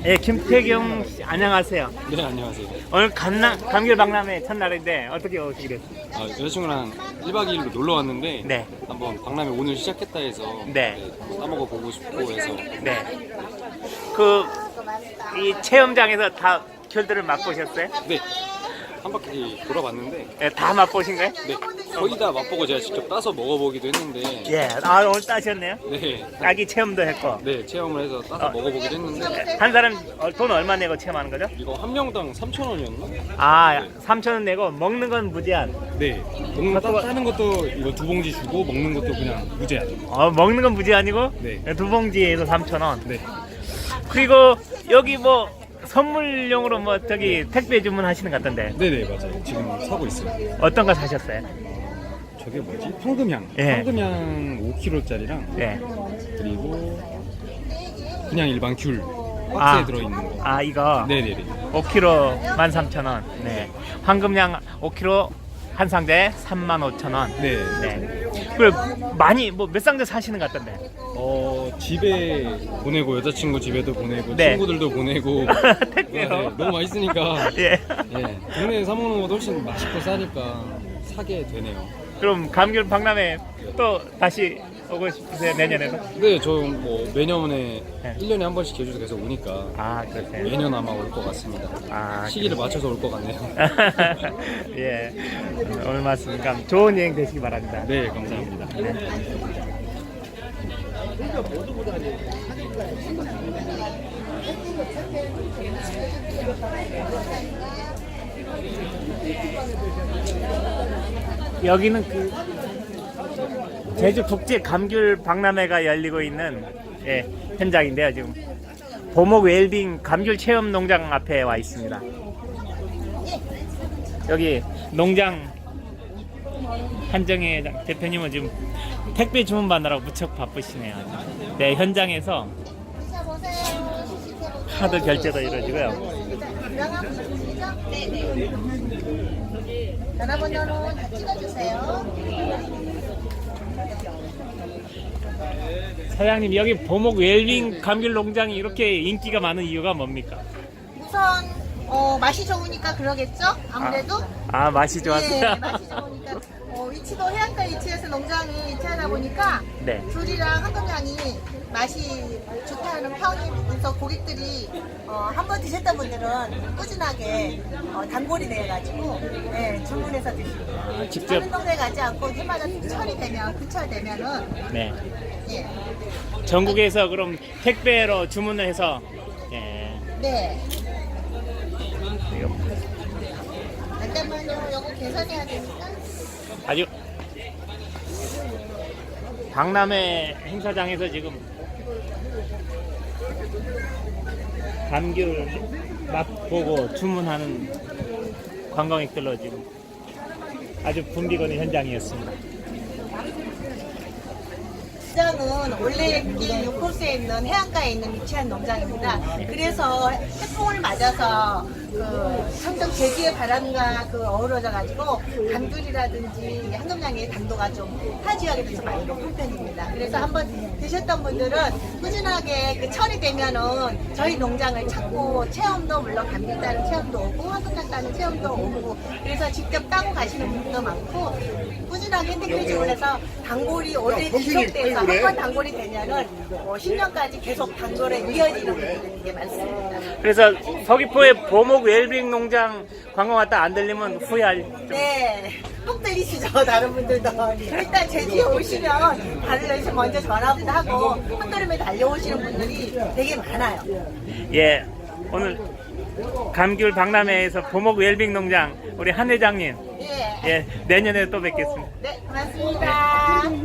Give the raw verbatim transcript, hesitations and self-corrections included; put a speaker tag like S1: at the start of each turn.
S1: 예, 김태경 씨, 안녕하세요.
S2: 네, 안녕하세요.
S1: 오늘 감남, 감귤 박람회 첫날인데 어떻게 오시게 됐어요?
S2: 아, 여자친구랑 일 박 이 일로 놀러 왔는데
S1: 네.
S2: 한번 박람회 오늘 시작했다 해서
S1: 네.
S2: 네, 따먹어 보고 싶고 해서
S1: 네. 그, 이 체험장에서 다 귤들을 맛보셨어요?
S2: 네, 한 바퀴 돌아봤는데
S1: 예, 다 맛보신 거예요?
S2: 네, 거의 다 맛보고 제가 직접 따서 먹어보기도 했는데
S1: 예, 아, 오늘 따셨네요?
S2: 네,
S1: 아기 체험도 했고.
S2: 네, 체험을 해서 따서
S1: 어.
S2: 먹어보기도 했는데
S1: 한 사람 어, 돈 얼마 내고 체험하는 거죠?
S2: 이거 한 명당 삼천 원이었나?
S1: 아, 삼천 원 내고 먹는 건 무제한.
S3: 네, 먹는 따, 따는 것도 이거 두 봉지 주고 먹는 것도 그냥 무제한.
S1: 어, 먹는 건 무제한이고
S3: 네.
S1: 두 봉지에서 삼천 원.
S3: 네,
S1: 그리고 여기 뭐 선물용으로 뭐 저기 택배 주문하시는 것 같던데
S3: 네네 맞아요. 지금 사고 있어요.
S1: 어떤 거 사셨어요?
S3: 저게 뭐지? 황금향.
S1: 예.
S3: 황금향 오 킬로짜리랑
S1: 네.
S3: 그리고 그냥 일반 귤 박스에
S1: 아.
S3: 들어있는 거.
S1: 아, 이거
S3: 네네네.
S1: 오 킬로그램 만 삼천 원. 네. 황금향 오 킬로그램 한 상자에 삼만 오천 원.
S3: 네.
S1: 네. 그리고 많이 뭐 몇 상자 사시는 것 같던데.
S3: 어 집에 보내고 여자친구 집에도 보내고
S1: 네.
S3: 친구들도 보내고.
S1: 택배요?
S3: 네, 너무 맛있으니까.
S1: 예.
S3: 예, 동네에 사 먹는 것도 훨씬 맛있고 싸니까 사게 되네요.
S1: 그럼 감귤 박람회 또 다시 오고 싶으세요, 내년에도?
S3: 네, 저 뭐 매년에
S1: 네.
S3: 일 년에 한 번씩 제주도 계속 오니까
S1: 아, 그러세요.
S3: 매년 아마 올 것 같습니다.
S1: 아,
S3: 시기를 맞춰서 올 것 같네요.
S1: 예. 오늘 말씀 감 좋은 여행 되시기 바랍니다.
S3: 네, 감사합니다.
S1: 여기는 그 제주 국제 감귤 박람회가 열리고 있는 예, 현장인데요. 지금 보목 웰빙 감귤 체험 농장 앞에 와 있습니다. 여기 농장 한정혜 대표님은 지금 택배 주문 받느라고 무척 바쁘시네요. 네, 현장에서 카드 결제도 이루어지고요.
S4: 전화번호는 다 찍어주세요.
S1: 사장님, 여기 보목 웰빙 감귤 농장이 이렇게 인기가 많은 이유가 뭡니까?
S4: 우선 어, 맛이 좋으니까 그러겠죠? 아무래도.
S1: 아, 맛이
S4: 예,
S1: 좋았어요.
S4: 맛이 좋으니까. 어, 위치도 해안가 위치에서 농장이 위치하다 보니까
S1: 네.
S4: 귤이랑 황금향이 맛이 좋다는 평이 있어서 고객들이 어, 한번 드셨던 분들은 꾸준하게 어, 단골이 돼가지고 예, 주문해서 드십니다.
S1: 아, 직접.
S4: 다른 동네 가지 않고 해마다 철이 되면 근처 되면은
S1: 네.
S4: 예,
S1: 전국에서 그럼 택배로 주문을 해서 예.
S4: 네.
S1: 이거
S4: 잠깐만요. 요거 계산해야 되니까.
S1: 아주 박람회 행사장에서 지금 감귤 맛보고 주문하는 관광객들로 지금 아주 붐비거는 현장이었습니다.
S4: 시장은 원래 길 육 코스에 있는 해안가에 있는 위치한 농장입니다. 그래서 태풍을 맞아서 그 항상 제주의 바람과 그 어우러져 가지고 감귤이라든지 황금향의 당도가 좀 타 지역에 비해서 많이 높은 편입니다. 그래서 한번 드셨던 분들은 꾸준하게 그 철이 되면은 저희 농장을 찾고 체험도 물론 감귤 따는 체험도 오고 황금향 따는 체험도 오고 그래서 직접 따고 가시는 분들도 많고 꾸준하게 택배 주문해서 단골이 오래 지속돼서 한 번 단골이 되면은 뭐 십 년까지 계속 단골에 이어지는 분들이 되게 많습니다.
S1: 그래서 서귀포의 보목 웰빙 농장 관광 왔다 안 들리면 후회할 좀.
S4: 네, 꼭 들리시죠, 다른 분들도. 일단 제주에 오시면 다른 먼저 전화부터 하고 한 걸음에 달려오시는 분들이 되게 많아요.
S1: 예, 오늘 감귤 박람회에서 보목 웰빙 농장 우리 한 회장님
S4: 예,
S1: 예, 내년에 또 뵙겠습니다.
S4: 네, 고맙습니다.